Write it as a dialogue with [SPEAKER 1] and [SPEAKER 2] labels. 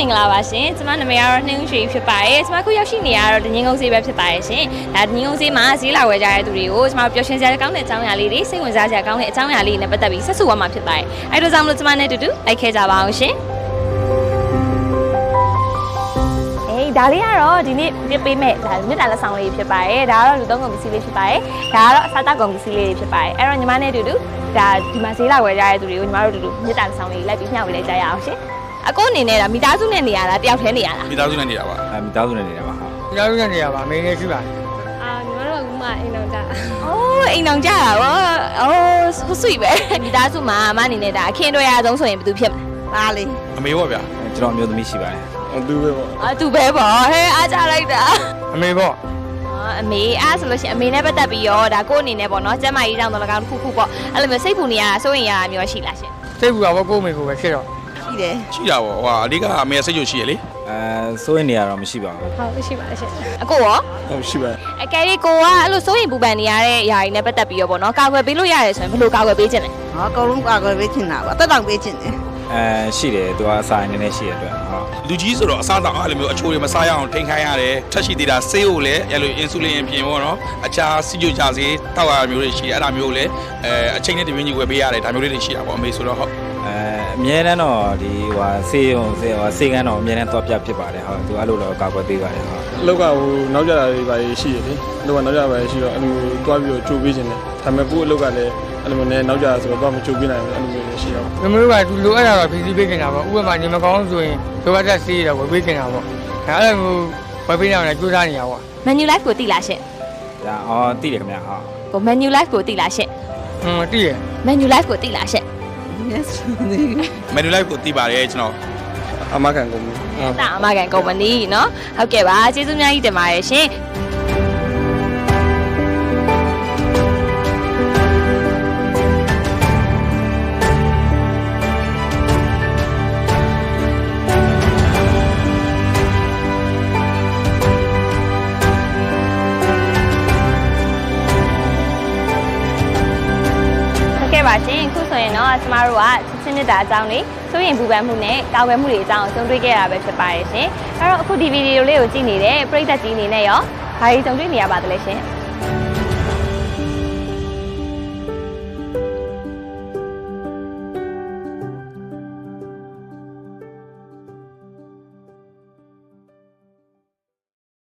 [SPEAKER 1] င်္ဂလာပါရှင်ကျမနာမည်ကတော့နှင်းရွှေဖြစ်ပါတယ်ကျမခုရောက်ရှိနေရတော့ဒငင်းကုန်းဈေးပဲဖြစ်ပါတယ်ရှင်ဒါဒငင်းကုန်းဈေးမှာဈေးလာဝယ်ကြတဲ့သူတွေကိုကျမတို့ပျော်ရွှင်စရာကောင်းတဲ့အကြောင်းအရာလေးတွေစိတ်ဝင်စားစရာကောင်းတဲ့အကြောင်းအရာလေးတွေနဲ့ပတ်သက်ပြီးဆက်စုဝါမှာဖြစ်ပါတယ်အဲ့ဒါကြောင့်မလို့ကျမနဲ့အတူတူလိုက်ခဲ့ကြပါအောင်ရှင်ဒါလေးကတော့ဒီနေ့ပြပေးမဲ့ဒါမြစ်တာလက်ဆောင်လေးဖြစ်ပါတယ်ဒါကတော့လူသုံးကုန်ပစ္စည်းလေးဖြစ်ပါတယ်ဒါကတော့အစားတောက်ကုန်ပစ္စည်းလေးဖြစ်ပါတယ်အဲ့တော့ညီမနဲ့အတူတူဒါဒီမှာဈေးလာဝယ်ကြတဲ့သူတွေကိုညီမတို့အတူတူမြစ်တာလက်ဆောင်လေးလိုက်ပြီးမျှဝေလိုက်ကြရအောင်ရှင်အကိုအနေနဲ့ဒါမိသားစုနဲ့နေရတာတယောက်တည်းနေရတာ
[SPEAKER 2] မိသားစုနဲ့နေတာပါ
[SPEAKER 3] မိသားစုနဲ့နေတာပါဟာ
[SPEAKER 4] မိသားစုနဲ့နေရပါအမေနဲ့ရှိပါ
[SPEAKER 1] ညီမတို့ကအခုမှအိမ်အောင်ကြအိုးအိမ်အောင်ကြတာဗောအိုးဆွေပဲမိသားစုမှာအမအနေနဲ့ဒါအခင်းတွေ့ရအောင်ဆိုရင်ဘယ်သူဖြစ်မလဲဒါလေး
[SPEAKER 2] အမေပေါ့ဗျာ
[SPEAKER 3] ကျွန်တော်မျိုးသမီးရှိပါတယ်
[SPEAKER 2] သူပဲပေါ့
[SPEAKER 1] သူပဲပေါ့ဟဲ့အားကြလိုက်တာ
[SPEAKER 4] အမေပေါ့
[SPEAKER 1] အမေအားဆိုလို့ရှိရင်အမေနဲ့ပတ်သက်ပြီးရောဒါကိုအနေနဲ့ပေါ့နော်ကျမကြီးတောင်းတော့၎င်းတစ်ခုခုပေါ့အဲ့လိုမျိုးစိတ်ပူနေရတာစိုးရင်ရတာမျိုးရှိလားရှင်
[SPEAKER 4] စိတ်ပူတာပေါ့ကိုမေကိုပဲဖြစ်တော့
[SPEAKER 1] ရှိတယ်
[SPEAKER 2] ရှိတာပေါ့ဟိုအဓိကအမေစိတ်ကြိုရှိရလေ
[SPEAKER 3] စိုးရင်နေရတော့မရှိပါဘူး
[SPEAKER 1] ဟုတ်ရှိပါရှင်အကိုရော
[SPEAKER 2] ဟုတ်ရှိပါ
[SPEAKER 1] အကယ်၍ကိုကအဲ့လိုစိုးရင်ပူပန်နေရတဲ့ຢာတွေနဲ့ပတ်သက်ပြီးရောပေါ့နော်ကာကွယ်ပေးလို့ရတယ်ဆိုရင်ဘယ်လိုကာကွယ်ပေးခြင်းလဲ
[SPEAKER 5] အကုန်လုံးကာကွယ်ပေးချင်တာပါတက်တောင်ပေးချင်တယ်
[SPEAKER 3] ရှိတယ်သူကအစာအနေနဲ့ရှိရတဲ့အတွက်ဟုတ်
[SPEAKER 2] လူကြီးဆိုတော့အစားတောက်အဲ့လိုမျိုးအချိုတွေမစားရအောင်ထိန်းခိုင်းရတယ်ထက်ရှိသေးတာဆေးကိုလည်းအဲ့လိုအင်ဆူလင်ပြင်ပေါ့နော်အခြားစီဂျိုချစေးတောက်ရမျိုးတွေရှိတယ်အဲ့ဒါမျိုးကိုလည်းအချိန်နဲ့တပြင်းကြီးဝယ်ပေးရတယ်ဒါမျိုးလေးတွေရှိတာပေါ့အမေဆိုတော့ဟုတ်
[SPEAKER 3] အမြဲတမ်းတော့ဒီဆေးဆေးကန်းတော့အမြဲတမ်းတော့ပြဖြစ်ပါတယ်ဟုတ်သူအဲ့လိုတော့ကာကွယ်ပေးပါတယ်ဟုတ်
[SPEAKER 6] အလောက်ကနောက်ကြတာတွေပါရှိရတယ်အလောက်ကနောက်ကြပါရှိတော့အဲ့လိုတွားပြီးတော့ကြိုးပေးခြင်းတယ်ဒါပေမဲ့ကိုယ့်အလောက်ကလည်းအဲ့လိုနဲ့နောက်ကြဆိုတော့မကြိုးပေးနိုင်ဘူးအဲ့လိုမျိုးရှိတော့
[SPEAKER 4] မမေတို့ကသူလိုအပ်တာတော့ဖြည့်ဆည်းပေးနေတာပေါ့ဥပမာညီမကောင်းဆိုရင်လိုအပ်တဲ့ဆေးရဝယ်ပေးနေတာပေါ့အဲ့လိုမျိုးဝယ်ပေးနေအောင်လည်းကြိုးစားနေရပါ
[SPEAKER 1] Menu Life ကိုသိလားရှင်
[SPEAKER 3] ဒါသိတယ်ခင်ဗျာဟုတ်
[SPEAKER 1] ကို Menu Life ကိုသိလားရှင်
[SPEAKER 4] သိရ
[SPEAKER 1] Menu Life ကိုသိလားရှင်
[SPEAKER 5] Yes
[SPEAKER 2] Menu Life ကိုသိပါတယ်ကျွန်တော်
[SPEAKER 6] အမကန်ကုမ္ပဏီ
[SPEAKER 1] အမကန်ကုမ္ပဏီเนาะဟုတ်ကဲ့ပါကျေးဇူးအများကြီးတင်ပါတယ်ရှင်ပါရှင်ခုဆိုရင်တော့ကျမတို့ကချင်းမြစ်တာအကြောင်းလေးစိုးရင်ပူပန်မှုနဲ့ကာကွယ်မှုတွေအကြောင်းကိုကြုံတွေ့ခဲ့ရတာပဲဖြစ်ပါတယ်ရှင်အဲ့တော့အခုဒီဗီဒီယိုလေးကိုကြည့်နေတဲ့ပရိသတ်ကြီးအနေနဲ့ရောဘာတွေကြုံတွေ့နေရပါသလဲရှင်